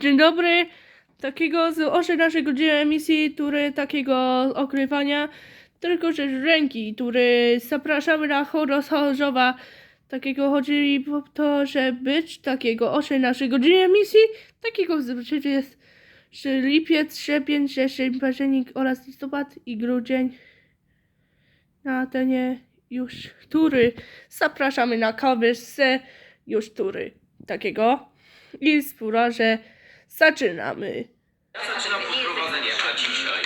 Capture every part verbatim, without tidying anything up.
Dzień dobry, takiego z oszy naszej godziny emisji, który takiego okrywania, tylko że z ręki, który zapraszamy na Chorzowa, takiego chodzi po to, że być takiego oszy naszej godziny emisji, takiego zobaczycie jest że lipiec, sierpień, wrzesień, październik oraz listopad i grudzień. Na ten już tury zapraszamy na kawyżce już tury takiego i spóra, że zaczynamy. Zaczynam podprowadzenie na dzisiaj.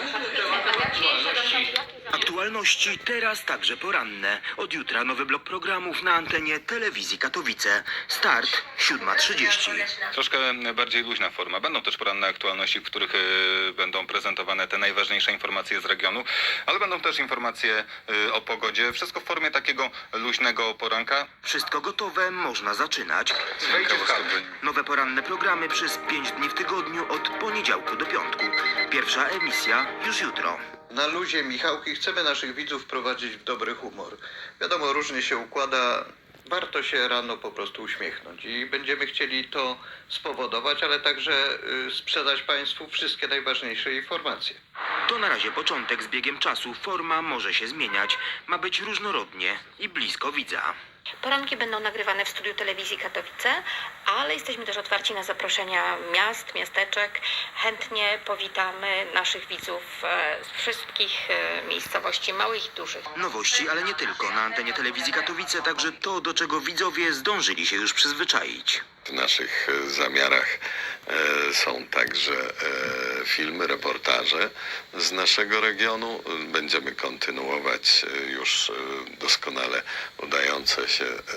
Aktualności teraz także poranne. Od jutra nowy blok programów na antenie telewizji Katowice. Start siódma trzydzieści. Troszkę bardziej luźna forma. Będą też poranne aktualności, w których y, będą prezentowane te najważniejsze informacje z regionu, ale będą też informacje y, o pogodzie. Wszystko w formie takiego luźnego poranka. Wszystko gotowe, można zaczynać. Nowe poranne programy przez pięć dni w tygodniu od poniedziałku do piątku. Pierwsza emisja już jutro. Na luzie Michałki chcemy naszych widzów wprowadzić w dobry humor. Wiadomo, różnie się układa, warto się rano po prostu uśmiechnąć i będziemy chcieli to spowodować, ale także y, sprzedać Państwu wszystkie najważniejsze informacje. To na razie początek. Z biegiem czasu forma może się zmieniać. Ma być różnorodnie i blisko widza. Poranki będą nagrywane w studiu telewizji Katowice, ale jesteśmy też otwarci na zaproszenia miast, miasteczek. Chętnie powitamy naszych widzów e, z wszystkich e, miejscowości, małych i dużych. Nowości, ale nie tylko. Na antenie telewizji Katowice także to, do czego widzowie zdążyli się już przyzwyczaić. W naszych e, zamiarach e, są także e, filmy, reportaże z naszego regionu. Będziemy kontynuować e, już e, doskonale udające się e,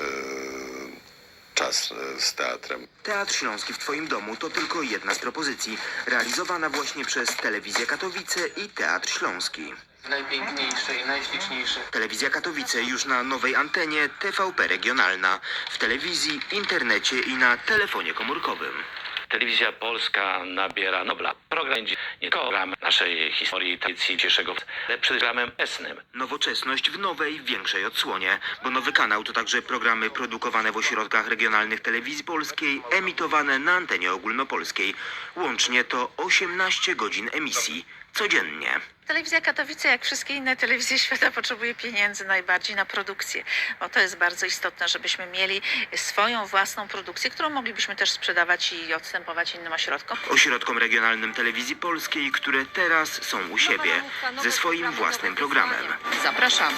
czas e, z teatrem. Teatr Śląski w Twoim domu to tylko jedna z propozycji, realizowana właśnie przez Telewizję Katowice i Teatr Śląski. Najpiękniejsze i najśliczniejsze. Telewizja Katowice już na nowej antenie T V P regionalna, w telewizji, internecie i na telefonie komórkowym. Telewizja Polska nabiera nobla. Program będzie nie tylko program naszej historii, tradycji dzisiejszego, ale przed programem esnym. Nowoczesność w nowej, większej odsłonie, bo nowy kanał to także programy produkowane w ośrodkach regionalnych telewizji polskiej, emitowane na antenie ogólnopolskiej. Łącznie to osiemnaście godzin emisji codziennie. Telewizja Katowice, jak wszystkie inne telewizje świata, potrzebuje pieniędzy najbardziej na produkcję, bo to jest bardzo istotne, żebyśmy mieli swoją własną produkcję, którą moglibyśmy też sprzedawać i odstępować innym ośrodkom. Ośrodkom regionalnym telewizji polskiej, które teraz są u siebie, ze swoim własnym programem. Zapraszamy.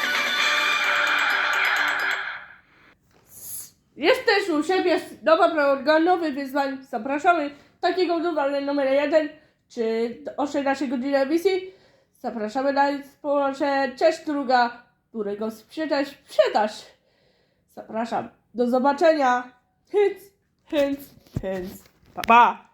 Jest też u siebie nowa program, nowy wyzwań. Zapraszamy takiego numer numer jeden, czy oszy naszej godziny emisji. Zapraszamy na społeczne Cześć Druga, którego sprzedaż, sprzedaż. Zapraszam. Do zobaczenia. Hyc, hyc, hyc. Pa, pa.